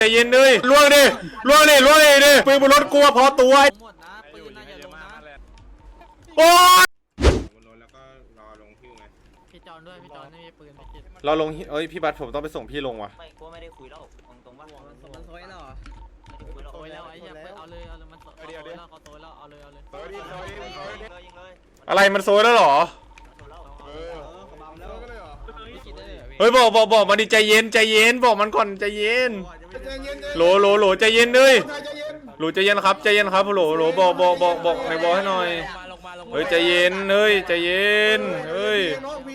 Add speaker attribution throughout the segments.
Speaker 1: ใจเย็นเลยล่วงดิล่วงดิล่วงดิปืนบนรถกลัวพอตัว
Speaker 2: หมดนะปืนน่าจะลงนะ
Speaker 1: โอ้ย
Speaker 3: แล้วก็รอลงพิวไง
Speaker 2: พี่จอนด้วยพี่จอนไม่มีปืนพี่คิด
Speaker 1: เราลงเอ้ยพี่บัสผมต้องไปส่งพี่ลงว่ะ
Speaker 4: ไม่กูไม่ได้คุยแล้วตรงว่า
Speaker 2: มันโซยแล้วเหรอโซยแล้วไอ้เหี้ยเอาเลยมันโซยแล้วเขาโซยแล้วเอาเลย
Speaker 4: ยิงเลย
Speaker 1: อะไรมันโซยแล้วหรอเฮ้ยบอกมันดิใจเย็นบอกมันก่อนใจเย็นโหลใจเย็นเลยโหลใจเย็นครับใจเย็นครับโหลบอกในบอกให้หน่อยเฮ้ยใจเย็นเฮ้ยใจเย็นเฮ้ย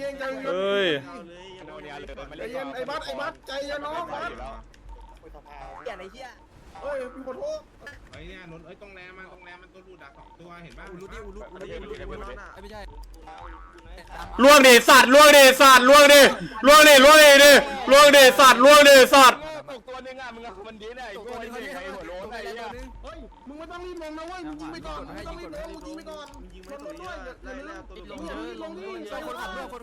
Speaker 5: ไอ้บัสใจเย็นน้องบัส
Speaker 4: อย่าไอ้เหี้ย
Speaker 5: เฮ้ยพี่ขอโทษ
Speaker 3: ไอ้เนี่ยนนตรงแรมมันตัวรูดัก2ตัวเห็นป่ะ
Speaker 2: ไม่ใช่
Speaker 1: ล่วงดิสัตว์ล่วงดิสัตว์ล่วงดิสัตว์ล่วงดิสัตว์
Speaker 5: ตกตัวนึงอ่ะมึงมันดีนะไอ้พวกนี้ใครหัวโล้นไอ้เหี้ยเฮ้ยมึงไม่ต้องรีบลงนะเว้ยมึงยิงไปก่อนไม่ต้องรีบลงมึงยิงไปก่อนยิงไม่ตัวด้วยลงนี่ใส่คนขับด้วย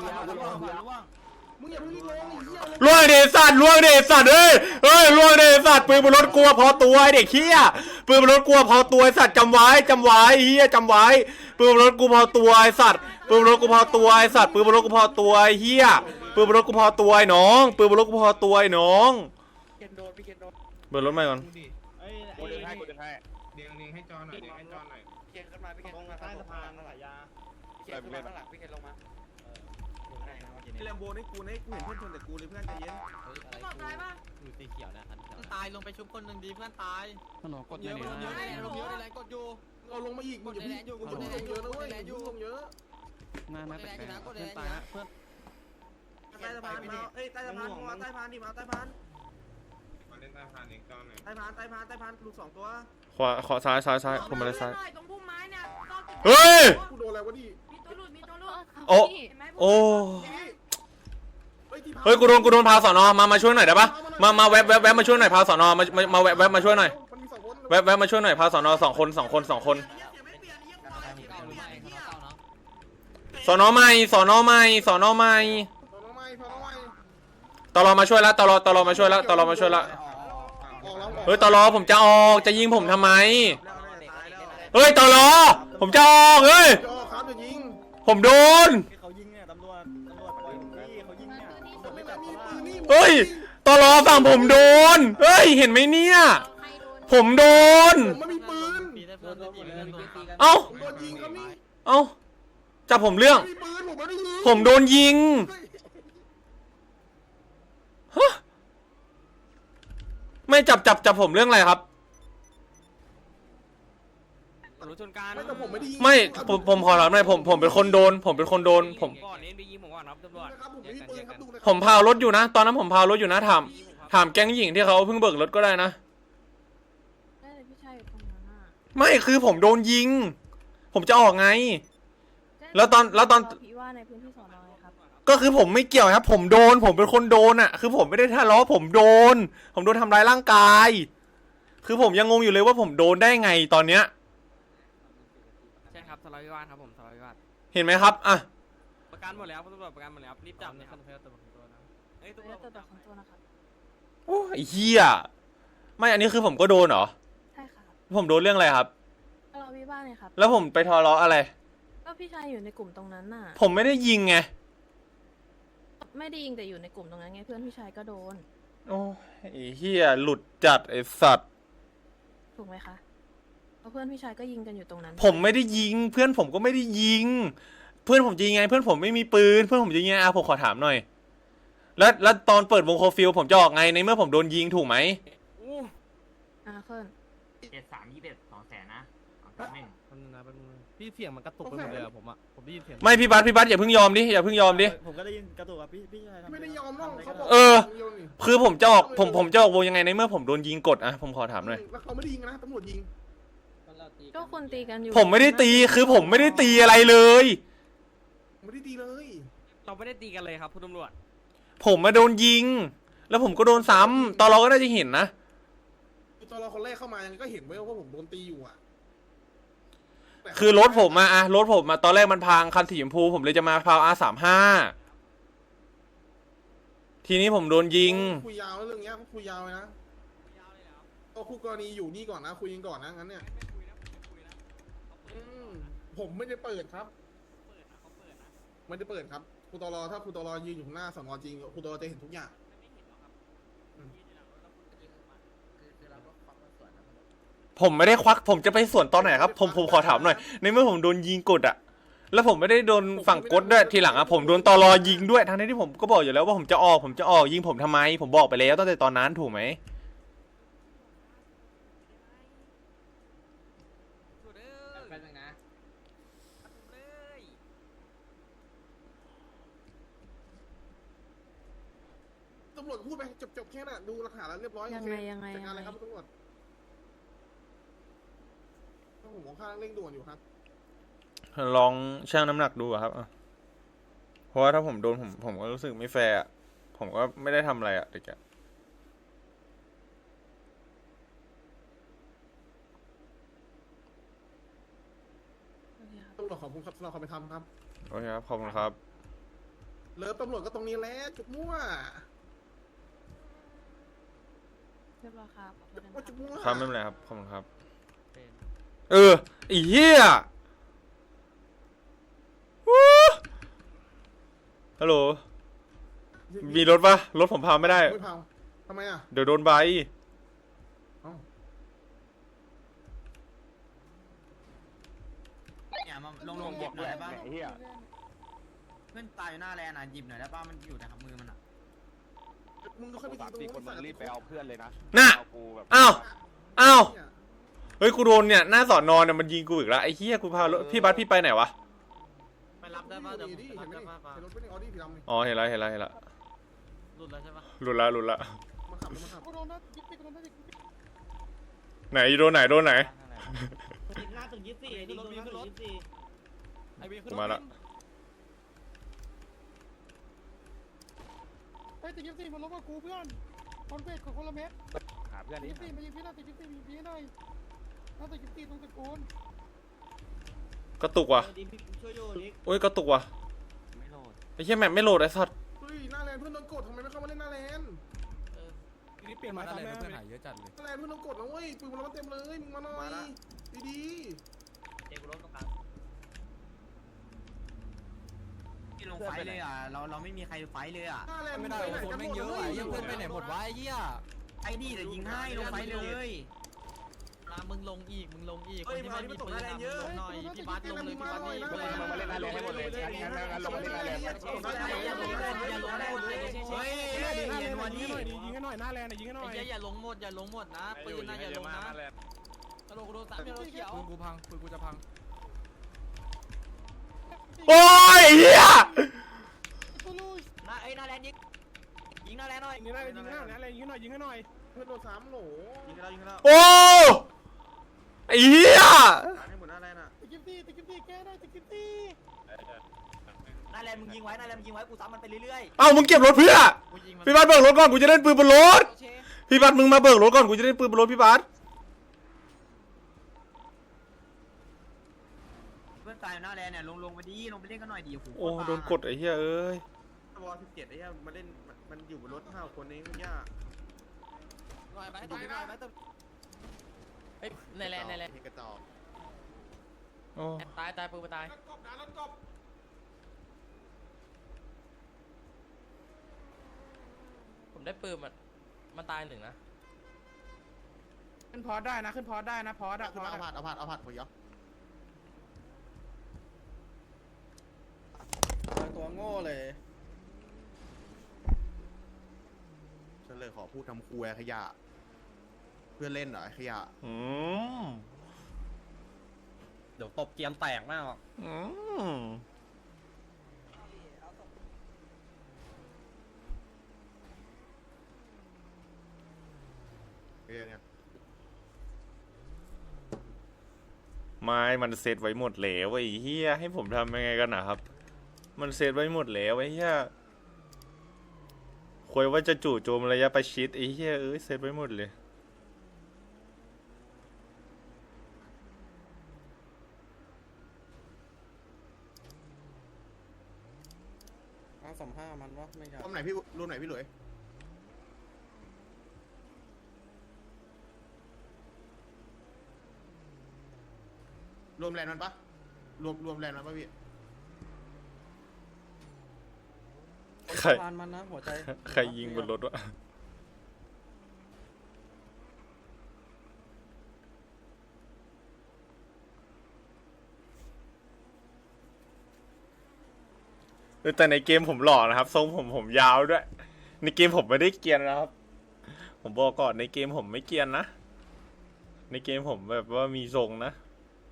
Speaker 5: มึงอย่าเพิ่งรีบลง
Speaker 1: ล่วงดิสัตว์เฮ้ยล่วงดิสัตว์ปืนบนรถกลัวพอตัวไอ้เด็กเหี้ยปืนบนรถกลัวพอตัวไอ้สัตว์จำไว้เหี้ยจำไว้ปืนบนรถกูพอตัวไอ้สัตว์ปืนบนรถกูพอตัวไอ้สัตว์ปืนบนรถกูพอตัวไอ้เหี้ยปืนบนรถกูพอตัวไอ้น้องปืนบนรถกูพอตัวไอ้น้องเบิร์รถใหม่ก่อน
Speaker 3: กูดึงให้เดียงให้จอหน่อยเ
Speaker 4: เคนขึ้นมาพี่เคนลงมาใต้สะพานสายยาพี่เคนขึ้นมาข้างหลังพี่เคนลงมา
Speaker 5: แลมโบนี่กูเห็นเพื่อนชนแต่กูเลยเพื่อนใจเย็น
Speaker 2: ตายป่ะอยู่สีเขียวนะตายลงไปชุบคนหนึ่งดีเพื่อนตาย
Speaker 6: กดเยอะ
Speaker 2: ลงเยอะในแรงกดอยู่
Speaker 5: เราลงมาอีกมึงอย่าพี่กูลงเยอะนะเว้ยลงเยอะ
Speaker 6: น่าแปลกเพื่อนตายนะเพื่อน
Speaker 5: ใต้สะพานมาใต้สะพานมาใต้สะพานดิมาใต้สะพาน
Speaker 3: มาเล่นใต้พานเองจอหน่อย
Speaker 5: ใต้พานลูก2ตัว
Speaker 1: ขวาซ้ายผมมาเลยซ้าย
Speaker 7: ตรงพุ่มไม้เนี่ย
Speaker 1: เฮ้ย
Speaker 5: กูโดนอะไรวะดิ
Speaker 7: มีตัวหลุด
Speaker 1: โอ้เฮ้ยกูโดนพาสอนอมาช่วยหน่อยได้ปะมาแวบมาช่วยหน่อยพาสอนอมาแวบมาช่วยหน่อยแวบมาช่วยหน่อยพาสอนอ2 คนสอนอใหม่ตลอมาช่วยแล้วตลอมาช่วยแล้วเฮ้ยตลอผมจะออกจะยิงผมทำไมเฮ้ยตลอผมจะออกเฮ้ยผมโดนเฮ้ยตลอฝั่งผมโดนเฮ้ยเห็นไหมเนี่ยผมโดนเอ้าจับผมเรื่องผมโดนยิงไม่จับผมเรื่องอะไรครับไม่ผมขอรับหน่อยผมเป็นคนโดนผมก่อนนี้ไปยิงผมก่อนครับตำรวจผมพารถอยู่นะตอนนั้นผมพารถอยู่นะถามแก๊งหญิงที่เขาเพิ่งเบิกรถก็ได้นะไม่คือผมโดนยิงผมจะออกไงแล้วตอนก็คือผมไม่เกี่ยวครับผมเป็นคนโดนอ่ะคือผมไม่ได้ทะเลาะผมโดนทำร้ายร่างกายคือผมยังงงอยู่เลยว่าผมโดนได้ไงตอนเนี้ย
Speaker 2: ใช่ครับทะเลาะวิวาทครับผมทะเลาะวิวาท
Speaker 1: เห็นไหมครับอ่ะ
Speaker 2: ประกันหมดแล้วตำรวจประกันหมดแล้วรีบจับนะครับตัวนะ
Speaker 7: ตำรวจของตัวนะครับ
Speaker 1: โอ้ยเหี้ยไม่อันนี้คือผมก็โดนเหรอ
Speaker 7: ใช่ค่ะ
Speaker 1: ผมโดนเรื่องอะไรครับ
Speaker 7: ทะเลาะวิวาทเนี่ยครับ
Speaker 1: แล้วผมไปทะเลาะอะไร
Speaker 7: ก็พี่ชายอยู่ในกลุ่มตรงนั้นน่ะ
Speaker 1: ผมไม่ได้ยิงไง
Speaker 7: ไม่ได้ยิงแต่อยู่ในกลุ่มตรงนั้นไงเพื่อนพี่ชายก็โดน
Speaker 1: โอ้ไอ้เหี้ยหลุดจัดไอ้สัตว์
Speaker 7: ถูกไหมคะเพราะเพื่อนพี่ชายก็ยิงกันอยู่ตรงนั้น
Speaker 1: ผมไม่ได้ยิงเพื่อนผมก็ไม่ได้ยิงเพื่อนผมยิงไงเพื่อนผมไม่มีปืนเพื่อนผมยิงไงผมขอถามหน่อยแล้วตอนเปิดวงโคฟิลผมจะออกไงในเมื่อผมโดนยิงถูกไหม
Speaker 7: เพื่อน
Speaker 4: 73 200,000นะ
Speaker 2: พี่เสียงมันกระตุกไปหมดเลยผมได้ยินเสียง
Speaker 1: ไม่พี่บัสอย่าเพิ่งยอมดิ
Speaker 5: ผมก็ได้ยินกระตุกอ่ะพี่ชายไม่ได้ยอมน้องเขาบอก
Speaker 1: คือผมจะออกผมจะออกวงยังไงในเมื่อผมโดนยิงกดอะผมขอถามหน่อย
Speaker 5: แล้วเขาไม่ได้ยิงนะตำรวจยิง
Speaker 7: ก็คนตีกันอยู่
Speaker 1: ผมไม่ได้ตีคือผมไม่ได้ตีอะไรเลย
Speaker 5: ไม่ได้ตีเลย
Speaker 2: เราไม่ได้ตีกันเลยครับคุณตำรวจ
Speaker 1: ผมมาโดนยิงแล้วผมก็โดนซ้ำตอนเราก็น่าจะเห็นนะ
Speaker 5: ตอนเราคนแรกเข้ามายังก็เห็นไว้ว่าผมโดนตีอยู่อ่ะ
Speaker 1: คือรถผมมาตอนแรกมันพังคันสีชมพูผมเลยจะมาพาวR35ทีนี้ผมโดนยิง
Speaker 5: คุยยาวเรื่องเงี้ยคุยยาวเลยนะก็คู่กรณีอยู่นี่ก่อนนะคุยกันก่อนนะงั้นเนี่ยผมไม่ได้เปิดครับไม่ได้เปิดครับครูตลอถ้าครูตลอยืนอยู่ข้างหน้าสนจริงครูตลอจะเห็นทุกอย่าง
Speaker 1: ผมไม่ได้ควักผมจะไปสวนตอนไหนครับผมขอถามหน่อยในเมื่อผมโดนยิงกดอะแล้วผมไม่ได้โดนฝั่งกดด้วยทีหลังอะผมโดนตลอยิงด้วยทั้งที่ผมก็บอกอยู่แล้วว่าผมจะออกยิงผมทำไมผมบอกไปแล้วตั้งแต่ตอนนั้นถูกไหม
Speaker 2: แป๊บนึงนะ
Speaker 5: ตำรวจพูดไปจบแค่นั้นดูหลักฐานแล้วเรียบร้อย
Speaker 7: ยังไง
Speaker 5: จัดการเลยครับตำรวจผมของข้างเร่งด่วนอยู่ครับ
Speaker 1: ลองชั่งน้ำหนักดูอะครับเพราะว่าถ้าผมโดนผมก็รู้สึกไม่แฟร์อะผมก็ไม่ได้ทำอะไรอะเด็กอะ
Speaker 5: ตำรวจขอบคุณครับสำหรับความเป็นธรรมครับ
Speaker 1: โอเคครับขอบคุณครับ
Speaker 5: เลิฟตำรวจก็ตรงนี้แหละจุกมั่ว
Speaker 7: เรียบร้อยครับขอบคุณนะ
Speaker 5: ว่าจุกมั่ว
Speaker 1: ครับไม่เป็นไรครับขอบคุณครับไอ้เหี้ยวู้ฮัลโหลมีรถปะรถผมพาไม่ได้
Speaker 5: ไม่พังทำไมอ่ะ
Speaker 1: เดี๋ยวโดนใบ
Speaker 5: เอ้า
Speaker 4: เนี่ยมาลงหยิบหน่อยได้ป่ะเพื่อนตายอยู่หน้าแลนด์อ่ะหยิบหน่อยได้ป่ะมันอยู่ในมือมันอ่ะ
Speaker 5: มึงก็ค่อยไปยิงตรงนู้น
Speaker 8: รีบไปเอาเพื่อนเลยนะ
Speaker 1: น่ะ
Speaker 8: เอากูแบบ
Speaker 1: อ้าว
Speaker 5: เนี่ย
Speaker 1: เฮ้ยกูโดนเนี่ยหน้าสอนอเนี่ยมันยิงกูอีกแล้วไอ้เหี้ยกูพารถพี่บัสพี่ไปไหนวะ
Speaker 2: ไปรับได้ป่ะเดี๋ยวผม
Speaker 5: ดิ
Speaker 2: ไป
Speaker 5: เห็
Speaker 2: รั
Speaker 5: น
Speaker 2: บ
Speaker 5: ไหม
Speaker 2: ได้ป่ะ
Speaker 5: เห็นรถเป็นออดี้สีดำนี่
Speaker 1: อ๋อเห็นแล้ว
Speaker 2: หลุดแล้วใช่ป่ะ
Speaker 1: หลุดละ
Speaker 5: มาขับมาขับ
Speaker 1: ไหนโดนไหน
Speaker 4: หน้าตึก24ดิรถมีขึ้นรถ
Speaker 1: กูมาละ
Speaker 9: ไอ้ติดยิปซี่มันลบกับกูเพื่อนคอนเฟสของคนละเม็ด
Speaker 8: หาเพื่อน
Speaker 9: ติด
Speaker 8: นี่
Speaker 9: ยิปซี่มายิงพี่หน่อยติดยิปซี่มายิงพี่หน่อยถ้าติดยิปซี่ตรงตะโกน
Speaker 1: กระตุกว่ะ
Speaker 4: ช่วยโยนิก
Speaker 1: โอ้ยกระตุกว่ะ
Speaker 6: ไม่โหลด
Speaker 1: ไอ้เหี้ยแมปไม่โหลดไอ้สัตว์
Speaker 5: เฮ้ยหน้าแลนด์เพื่อนโดนกดทำไมไม่เข้ามาเล่นหน้าแลนด์
Speaker 6: นี่เปลี่ยนมาอะไรเพื่อนหายเยอะจัดเลย
Speaker 5: หน้าแลนด์เพื่อนโดนกดนะเว้ยปืนมันรับเต็มเลยมึงมาหน่อยดี
Speaker 2: เด็กรถตรงกลาง
Speaker 4: ที่ลงไฟเลยอ่ะเราไม่มีใครไฟเลยอ่ะ
Speaker 5: ๆหน้าแลนด์
Speaker 6: ไม่ได้คนแม่งเยอะอ่ะยังเพื่อนไปไหนหมดวะไอ้เหี้ย
Speaker 4: ไอ้นี่เดี๋ยวยิงให้ลงไฟเลย
Speaker 2: มึงลงอีกคนที่มันมีปืนนะมึงลงหน่อยพี่บัสลงเลยพี่บัสนี่
Speaker 8: มึงมาเล่นหน้าแลนให้หมดเลยงั้นลงมาเล่นหน้าแลน
Speaker 2: อย่าลงหมดอย่าลงหมด
Speaker 4: เฮ้ยเย็นวันนี้
Speaker 6: ยิงให้หน่อยหน้าแลนด์ยิงให้หน่อย
Speaker 2: อย่าลงหมดนะปืนนะอย่าลงนะ
Speaker 6: ตลกกูโดน3เขียวปืนกูพังปืนกูจะพัง
Speaker 1: โอ้ยไอ้เหี้ย
Speaker 9: ตูลูส
Speaker 4: หน้าแลนยิงหน้าแลนหน่อย
Speaker 6: ยิงให้หน่อย
Speaker 5: เพื่อนโดน3โหล
Speaker 4: ยิงกันแล้ว
Speaker 1: โอ้ไอ้เหี้ย
Speaker 4: ให้หมดหน้าแลนอ่ะ
Speaker 9: ติดยิปซี่แก้ได้ติดยิปซี่
Speaker 4: หน้าแลนมึงยิงไว้กูซ้ำมันไปเรื่อย
Speaker 1: เอ้ามึงเก็บรถเพื่อพี่บัสเบิกรถก่อนกูจะเล่นปืนบนรถพี่บัสมึงมาเบิกรถก่อนกูจะเล่นปืนบนรถพี่บัส
Speaker 4: เพื่อนตายอยู่หน้าแลนเนี่ยลงไปดิลงไปเล่นกันหน่อยดิ
Speaker 1: โอ้โดนกดไอ้เหี้ยเอ้ย
Speaker 5: วอล17ไอ้เหี้ยมาเล่นมันอยู่บนรถ5คนเองยาก
Speaker 6: หน่อยไปตายไปตึ๊บ
Speaker 2: ในแลนด์
Speaker 5: กระจอก
Speaker 1: โอ้
Speaker 2: ตายปืนไปตาย
Speaker 5: กบนะรถกบ
Speaker 2: ผมได้ปืนมันตาย1นะ
Speaker 6: ขึ้นพอได้นะขึ้นพอได้นะพอได้
Speaker 5: เอาผัดหัวยอ
Speaker 4: ตัวโง่เลย
Speaker 5: ฉันเลยขอพูดทำครัวขยะเพื่อนเล่นเหรอขยะ
Speaker 4: เดี๋ยวตบเกียมแตกมาก
Speaker 5: เนี่ย
Speaker 1: ไม่มันเซตไว้หมดแล้วไอ้เหี้ยให้ผมทำยังไงกันนะครับมันเซตไว้หมดแล้วไอ้เหี้ยคุยว่าจะจู่โจมระยะประชิดไอ้เหี้ยเซตไว้หมดเลย
Speaker 4: 35มันวะไม่ใช่
Speaker 5: รูปไหนพี่หลุยรวมแรงมันปะรวมแรงมันปะพี่
Speaker 1: ใคร
Speaker 6: พานมันนะหัวใจ
Speaker 1: ใครยิงบนรถวะแต่ในเกมผมหล่อนะครับทรงผมยาวด้วยในเกมผมไม่ได้เกรียนนะครับ ผมบอกก่อนในเกมผมไม่เกรียนนะในเกมผมแบบว่ามีทรงนะ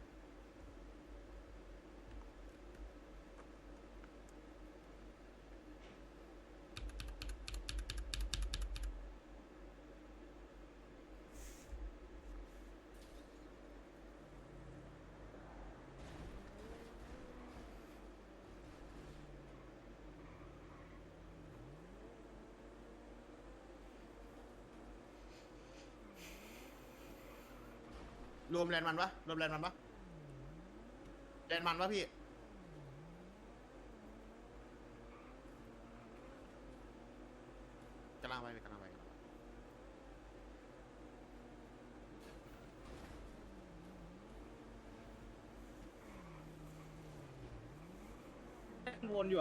Speaker 5: รวมแรงมันปะรวมแรงมันปะแรงมันปะพี่กำลังไปกำลังไป
Speaker 6: วนอยู่อะ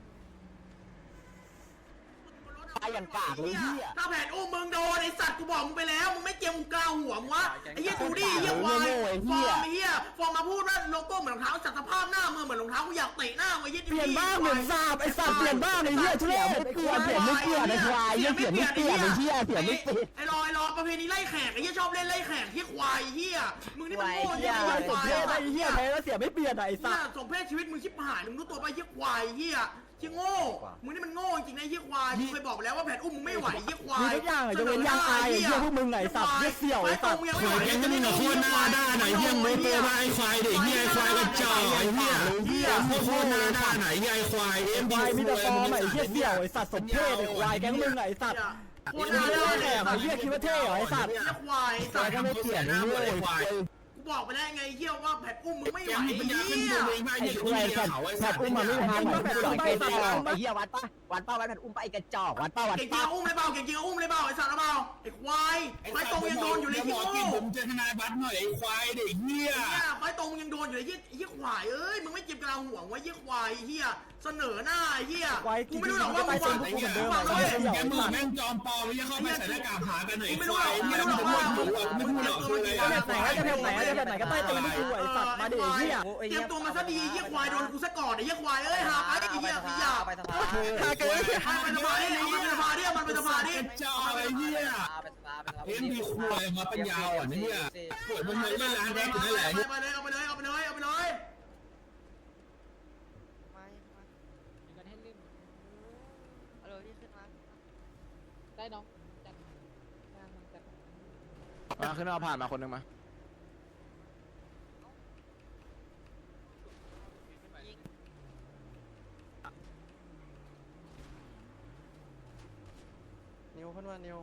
Speaker 8: ตายอย่างกากเลยเฮีย
Speaker 4: ถ้าแผนอุ้มมึงโดนไอ้สัตว์กูบอกมึงไปแล้วมึงไม่เจียมมึงกล้าหัวมึงวะไอ้เหี้ยดูดิเหี้ยวายฟอร์มไอ้เหี้ยฟอร์มมาพูดว่าโลโก้เหมือนรองเท้าจัดสภาพหน้ามือเหมือนรองเท้ากูอยากเตะหน้าไอ้เหี้ย
Speaker 8: เปลี่ยนบ้างเหมือนสาบไอ้สัตว์เปลี่ยนบ้างไอ้เฮียทุเรศไม่เปลี่ยนไอ้ควายยังเปลี่ยนไม่เปลี่ยนไอ้เฮียเปลี่ยนไม่เปลี่ยน
Speaker 4: ไอ้รอประเพณีไล่แขกไอ้เหี้ยชอบเล่นไล่แขกที่ควายเหี้ยมึงนี่มันโง่เหี้ยไอ้ควาย
Speaker 8: ไอ้เฮียแพ้แล้วเสียไม่เปลี่ยนไอ้สั
Speaker 4: เนี่ย
Speaker 8: ตว์
Speaker 4: สมเพศชีวิตมึงชิบหายมึงรู้ตัวไปเหี้ยควายเหี้ยที่โง่มึงนี่มันโง่จริงนะเหี้ยควายมึงเคยบอกไปแล้วว่าแผนอุ้มมึงไม่ไหวเหี้ยควาย
Speaker 8: มีทุกอย่างจะเป็นย่างอายไอ้เฮียพวกมึงไงสัตว์เฮียเสี่ยวไอ้สัตว์
Speaker 4: ควายจะมึงกับโคตรหน้าด้านไหนเหี้ยไม่เปไอ้ควายเด็กเหี้ยควายกระจอกไอ้เหี้ยเหี้ยโคตรหน้าด้านไหนเหี้ยควาย
Speaker 8: ควายมีแต่ฟอร์มไอ้เฮียเสี่ยวไอ้สัตว์สมเพศไอ้ควายแก๊งมึงไอ้สัตว์
Speaker 4: โคตรหน้าด้าน
Speaker 8: แอบไอ้เฮียคิดว่าเท่เหรอไอ้สัตว์
Speaker 4: เหี้ยควาย
Speaker 8: ควายก็ไม่เปลี่ยนไอ้เฮียไอ้ควาย
Speaker 4: กูบอกไปแล้วไงเหี้ยว่าแผนอุ้มมึงไม่ไหวเหี้ย
Speaker 8: ไอ้ควายสัตว์แผดอุ้มมาไม่ทำไอ้ควายไอ้สัตว์ไอ้เฮียวัดป่ะแผดอุ้มไปไอ้กระจอกวัดป่ะ
Speaker 4: เก่งจริงอุ้มเลยเปล่าเก่งจริงอุ้มเลยเปล่าไอ้สัตว์เปล่าไอ้ควายไฟตรงยังโดนอยู่เลยที่โง่
Speaker 3: ผมเจอทนายบัตรหน่อยไอ้ควายเด็กเหี้ย
Speaker 4: เนี่ยไฟตรงยังโดนอยู่เลยเหี้ยควายเอ้ยมึงไม่เจ็บกระหัวไว้เหี้ยควายเหี้ยเสนอหน้าเหี้ยกูไม่รู้หรอกว่ามึงวาง
Speaker 3: ไอ้เหี้ยแกมือแม่งจอมปลอมไอ้เหี้ยเข้าไปใส่หน้ากากหากันหน่อยไอ้ควายไม่รู้หรอกว่าไม่พูดหรอกคืออะไร
Speaker 8: จะไหนก็ใต้ตีนที่กูไอ้สัตว์มาดิเฮีย
Speaker 4: เตรียมตัวมาซะดีเหี้ยควายโดนกูซะก่อนไอ้เหี้ยควายเอ้ยหาไปไอ้เหี้ยขยะ
Speaker 8: ไปสภา
Speaker 4: มันเป็นสภาดิมันเป็นสภาดิมันเป็นสภาดิ
Speaker 3: จอไอ้เหี้ยเอ็มดีควายมาเป็นยาวอ่ะเนี่ยปวดมันไม่ได้ล้างแดกอยู่นั่นแหละ
Speaker 4: เอาไปเลยเอาไปเลยเอาไปเลยเอาไปเลย
Speaker 9: ได้น้องจัด
Speaker 8: มาขึ้นมาผ่านมาคนนึงมานิวขึ้นมานิว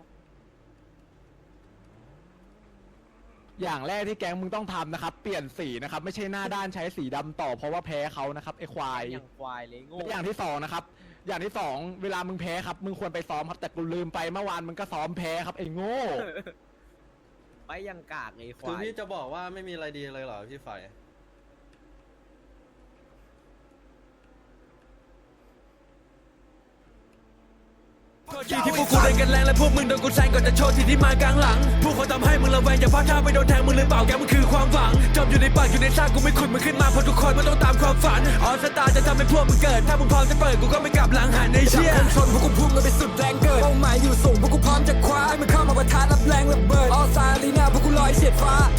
Speaker 8: อย่างแรกที่แก๊งมึงต้องทำนะครับเปลี่ยนสีนะครับไม่ใช่หน้าด้านใช้สีดำต่อเพราะว่าแพ้เขานะครับไอ้ควาย
Speaker 2: อย่างควายเลยโง่
Speaker 8: และอย่างที่สองนะครับอย่างที่สองเวลามึงแพ้ครับมึงควรไปซ้อมครับแต่กูลืมไปเมื่อวานมึงก็ซ้อมแพ้ครับไอ้โง่
Speaker 2: ไปอย่างกากเลยควาย
Speaker 6: คือพี่จะบอกว่าไม่มีอะไรดีเลยเหรอพี่ไฟ
Speaker 10: ที่พวกกูเล่นกันแรงและพวกมึงโดนกูแซงก่อนจะโชว์ที่ที่มากลางหลังพวกเขาทำให้มึงระแวงอย่าพลาดท่าไปโดนแทงมึงหรือเปล่าแกมันคือความหวังจมอยู่ในปากอยู่ในซากกูไม่ขุดมึงขึ้นมาเพราะทุกคนมันต้องตามความฝันออสตาจะทำให้พวกมึงเกิดถ้ามึงพร้อมจะเปิดกูก็ไม่กลับหลังหันในเชี่ยชนพวกกูพุ่งกันไปสุดแรงเกิดเป้าหมายอยู่สูงพวกกูพร้อมจะคว้าให้มันเข้ามาประทะรับแรงระเบิดออสตาลีนาพวกกูลอยเฉียดฟ้า